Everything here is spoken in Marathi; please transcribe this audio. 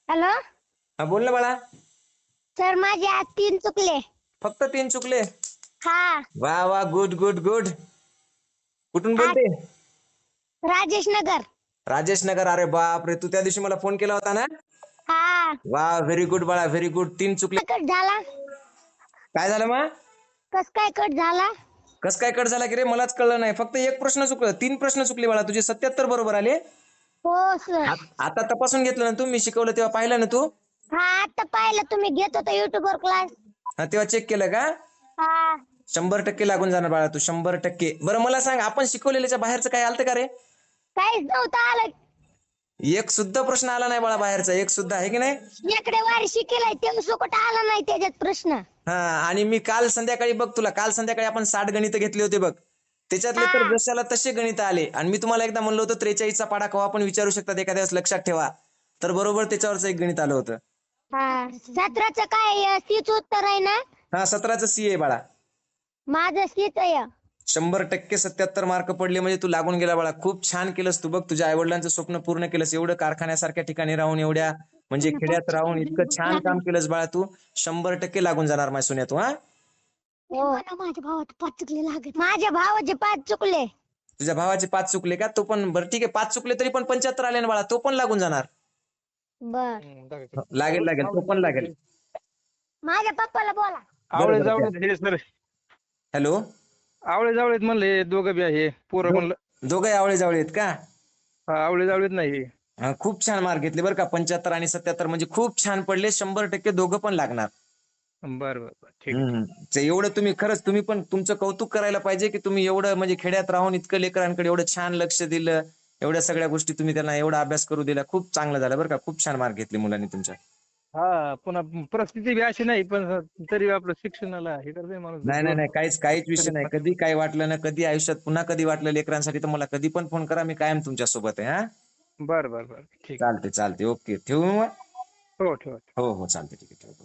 हॅलो हा बोल ना बाळा. सर, माझे आज 3 चुकले. फक्त 3 चुकले? हा. वा वा, गुड गुड गुड. कुठून हा, बोलते? राजेश नगर. राजेश नगर. अरे बाप रे, तू त्या दिवशी मला फोन केला होता ना. हा. वा, व्हेरी गुड बाळा, व्हेरी गुड. 3 चुकले. कट झाला? काय झालं मग? कस काय कट झाला? कस काय कट झाला की रे, मलाच कळलं नाही. फक्त एक प्रश्न चुकला, 3 प्रश्न चुकले बाळा. तुझे 77 बरोबर आले. हो सर. आता तपासून घेतलं ना तू, मी शिकवलं तेव्हा पाहिलं ना तू? हा, आता पाहिलं. तुम्ही घेत होता युट्यूब वर क्लास. हा, तेव्हा चेक केलं का? हा. 100% लागून जाणार बाळा तू, 100%. बरं मला सांग, आपण शिकवलेल्याच्या बाहेरचं काय आलतं का रे? काहीच नव्हतं आलं. एक सुद्धा प्रश्न आला नाही बाळा बाहेरचा, एक सुद्धा, आहे की नाही? इकडे वारी शिकेलाय ते सुकट आला नाही त्याच्यात प्रश्न. हा, आणि मी काल संध्याकाळी बघ, तुला काल संध्याकाळी आपण 60 गणित घेतले होते बघ. त्याच्यातले तर हा. जशाला तसे गणित आले. आणि मी तुम्हाला एकदा म्हणलं होतं 43चा पाढा कवा पण विचारू शकतात एखाद्या वेळेस, लक्षात ठेवा. तर बरोबर त्याच्यावरच एक गणित आलं होतं. हा, 17चं काय तीच उत्तर आहे ना? हा, 17चं सी आहे बाळा. माझं सीच आहे. 100% 77 मार्क पडले म्हणजे तू लागून गेला बाळा. खूप छान केलंस तू बघ, तुझ्या आईवडिलांचं स्वप्न पूर्ण केलंस. एवढं कारखान्यासारख्या ठिकाणी राहून, एवढ्या म्हणजे खेड्यात राहून इतकं छान काम केलंस बाळा तू. 100% लागून जाणार माझ्या सोन्या तू. हा, माझ्या भावाचे 5 चुकले लागत. माझ्या भावाचे 5 चुकले. तुझ्या भावाचे 5 चुकले का? तो पण बरं ठीक आहे, 5 चुकले तरी पण 75 आले ना बाळा, तो पण लागून जाणार. बर. लागेल लागेल, तो पण लागेल. माझ्या पप्पाला बोला. आवळे बरोबर. जावळे हे सर, हॅलो, आवळे जावळेत म्हणले दोघं बी आहे पोरं म्हणलं. दोघे आवळे जावळे आहेत का? हा, आवळे जावळेत नाही. हा, खूप छान मार्क घेतले बरं का. 75 आणि 77 म्हणजे खूप छान पडले. 100% दोघं पण लागणार. बरं बरं बरं, ठीक आहे. ते एवढं तुम्ही खरंच, तुम्ही पण तुमचं कौतुक करायला पाहिजे की तुम्ही एवढं म्हणजे खेड्यात राहून इतकं लेकरांकडे एवढं छान लक्ष दिलं. एवढ्या सगळ्या गोष्टी तुम्ही त्यांना एवढा अभ्यास करू दिला. खूप चांगलं झालं बरं का. खूप छान मार्क घेतले मुलांनी तुमच्या. हा, पुन्हा परिस्थिती बी अशी नाही, पण तरी आपलं शिक्षणाला हे करते माणूस नाही नाही जोर. नाही, काहीच विषय नाही. कधी काय वाटलं ना, कधी आयुष्यात पुन्हा कधी वाटलं लेकरांसाठी, तर मला कधी पण फोन करा. मी कायम तुमच्या सोबत आहे. हा, बरं बरं बरं, ठीक चालते चालते, ओके, ठेवू मग. आहे. हो, ठेवा. हो हो, चालते, ठीक आहे, ठेवू.